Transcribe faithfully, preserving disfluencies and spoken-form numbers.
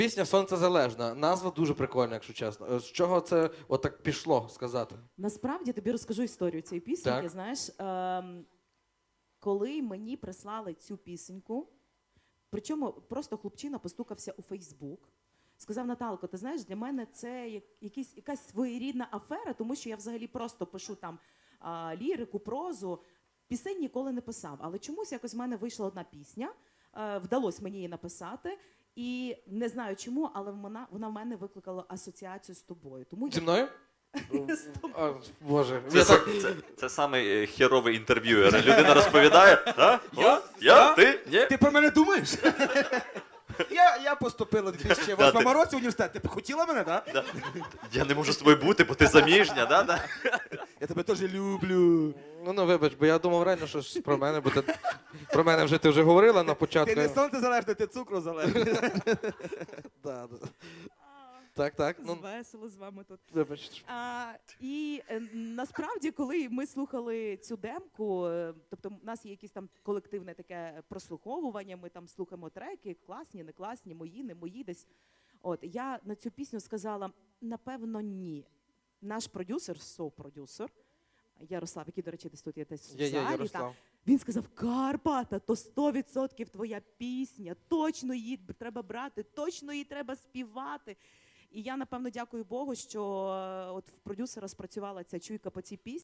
Пісня «Сонцезалежна». Назва дуже прикольна, якщо чесно. З чого це отак пішло сказати? Насправді тобі розкажу історію цієї пісеньки. Так. Знаєш, ем, коли мені прислали цю пісеньку, причому просто хлопчина постукався у Фейсбук, сказав: Наталко, ти знаєш, для мене це як, якісь, якась своєрідна афера, тому що я взагалі просто пишу там а, лірику, прозу, пісень ніколи не писав. Але чомусь якось в мене вийшла одна пісня, е, вдалося мені її написати, і не знаю чому, але вона, вона в мене викликала асоціацію з тобою. Тому я... Зі мною? А, Боже. Це, Я це, так- це, це саме херовий інтерв'юер. Людина розповідає, а? Я? О, я? Ти? Ні? Ти про мене думаєш? Я, я поступила у дві тисячі восьмому Да, ти- році в університет. Ти б хотіла мене, так? Да. Я не можу з тобою бути, бо ти заміжня, да? Да? Я тебе теж люблю. Ну, ну, вибач, бо я думав реально, що щось про мене, бо ти... про мене вже ти вже говорила на початку. Ти не сонцезалежний, ти цукру залежний. Да, да. Так, так, ну, Весело з вами тут. вибач. А, і е, насправді, коли ми слухали цю демку, е, тобто в нас є якесь там колективне таке прослуховування, ми там слухаємо треки, класні, не класні, мої, не мої десь. От я на цю пісню сказала: напевно, ні. Наш продюсер, соу-продюсер, Ярослав, який, до речі, десь тут є десь в Є, є, залі, та, Ярослав. він сказав: Карпата, то сто відсотків твоя пісня, точно її треба брати, точно її треба співати. І я, напевно, дякую Богу, що е, от в продюсера спрацювала ця чуйка по цій пісні.